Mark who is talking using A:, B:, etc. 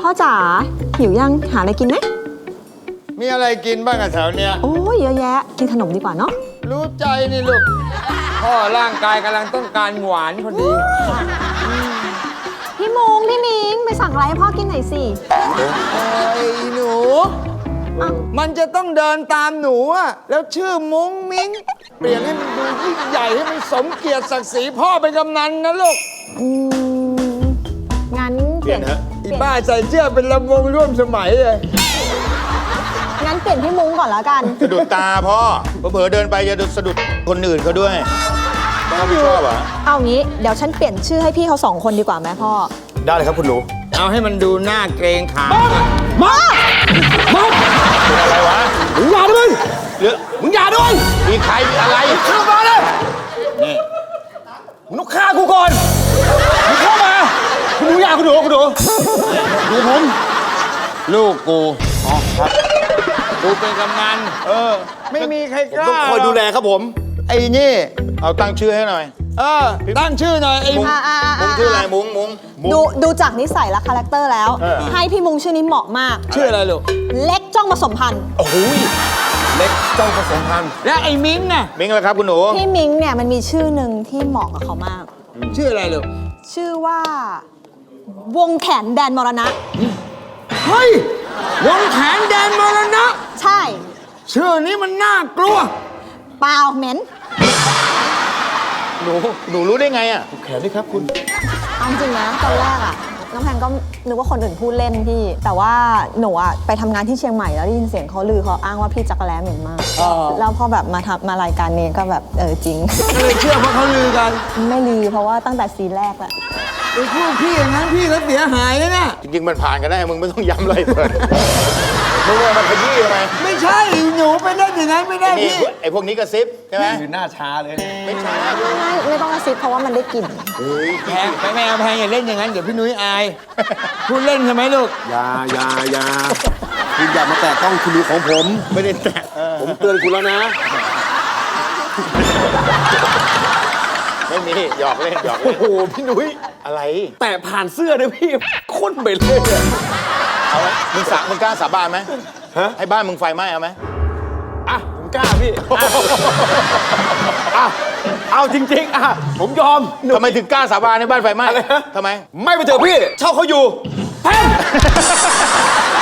A: อจ๋าหิวยังหาอะไรกินไหม
B: มีอะไรกินบ้างอะแถวเนี้ย
A: โอ้ยเยอะแยะกินขนมดีกว่าเนาะ
B: รู้ใจนี่ลูกพ่อร่างกายกำลังต้องการหวานพอดี
A: พี่มุงพี่มิงไปสั่งอะไรให้พ่อกินหน่อยสิ
B: ไอ้หนูมันจะต้องเดินตามหนูอะแล้วชื่อมุ้งมิ้งเปลี่ยนให้มันดูยิ่งใหญ่ให้มันสมเกียรติศักดิ์ศรีพ่อเป็นกำนันนะลูก
A: งั้น
C: เปลี่ยนฮะ
B: อีบ้าใส่เสื้อเป็นลำวงร่วมสมัยเลย
A: งั้นเปลี่ยนพี่มุ้งก่อนแล้วกัน
C: สะดุดตาพ่อเผลอๆเดินไปจะสะดุดคนอื่นเขาด้วยพ่อไม่ชอบเหรอ
A: เอางี้เดี๋ยวฉันเปลี่ยนชื่อให้พี่เขา2 คนดีกว่าไหมพ่อ
C: ได้เลยครับคุณหนู
B: เอาให้มันดูหน้าเกรงขาม
A: มา
C: เป็นอะไรวะ
B: มึงอย่าด้วย
C: หรือ
B: มึงอย่าด้วย
C: มีใครมีอะไร
B: เข้ามาเลย
C: นี่
B: มึงต้องฆ่ากูก่อนมึงเข้ามาคุณหนูอย่าคุณหนูดูผมลูกกูอ๋อครับกูเป็นกำนันไม่มีใครกล้า
C: ต้องคอยดูแลครับผม
B: ไอ้นี่
C: เอาตั้งชื่อให้หน่อย
B: ตั้งชื่อหน่อยไอ้
C: มุ้งชื่ออะไรมุ้ง
A: ดูจากนิสัยและคาแรคเตอร์แล้วให้พี่มุ้งชื่อนี้เหมาะมาก
B: ชื่ออะไรลูก
A: เล็กจ้องผสมพันธุ์
C: โอ้โหเล็กจ้องผสมพันธุ์
B: และไอ้มิ้งน่ะ
C: มิ้งอะไรครับคุณหนู
A: พี่มิ้งเนี่ยมันมีชื่อหนึ่งที่เหมาะกับเขามาก
B: ชื่ออะไรลูก
A: ชื่อว่าวงแขนแดนมรณะ
B: เฮ้ยวงแขนแดนมรณะ
A: ใช่
B: ชื่อนี้มันน่ากลัว
A: เปล่าเหม็น
C: หนูรู้ได้ไงอ่ะแขนนี่ครับคุณ
A: เอาจริงนะตอนแรกอ่ะน้องแพนก็นึกว่าคนอื่นพูดเล่นพี่แต่ว่าหนูอ่ะไปทำงานที่เชียงใหม่แล้วได้ยินเสียงเขาลือเขาอ้างว่าพี่จักรแล้เหม็นมากแล้วพอแบบมารายการนี้ก็แบบจริง
B: ก็เลยเชื่อเพราะเขาลือกัน
A: ไม่ลือเพราะว่าตั้งแต่ซีนแรกแหละ
B: ไอ้พวกพี่อย่างนั้นพี่ก็เสียหายนะเนี่ย
C: จริงๆมันผ่านกันได้มึงไม่ต้องย้ำเลยเปิดมึงว่ามันขยี้ทำไม
B: ไม่ใช่หนูไปเล่นอย่างนั้นไม่ได้พี่
C: ไอ้พวกนี้กระซิบใช่ไหม
B: คือหน้าช้าเลย
C: ไม่ช้า
A: ไม่ต้องกระซิบเพราะว่ามันได้กลิ่น
B: แพงไปแม่แพงอย่าเล่นอย่างนั้นเดี๋ยวพี่นุ้ยอายพูดเล่นใช่ไหมลูก
C: อย่าคุณอย่ามาแตะต้องคุณดูของผมไม่ได้แตะผมเตือนคุณแล้วนะไม่มีหยอกเล่นโอ้โหพี่นุ้ยอะไร
B: แต่ผ่านเสื้อเลยพี่ข้นไปเลย
C: เอาไหมมึงกล้าสาบานไหมให้บ้านมึงไฟไหม้เอาไหม
B: ผมกล้าพี่
C: เอาจริงๆผมยอมทำไมถึงกล้าสาบานในบ้านไฟไหม้ทำไม
B: ไม่ไปเถอะพี่เช่าเขาอยู่แพง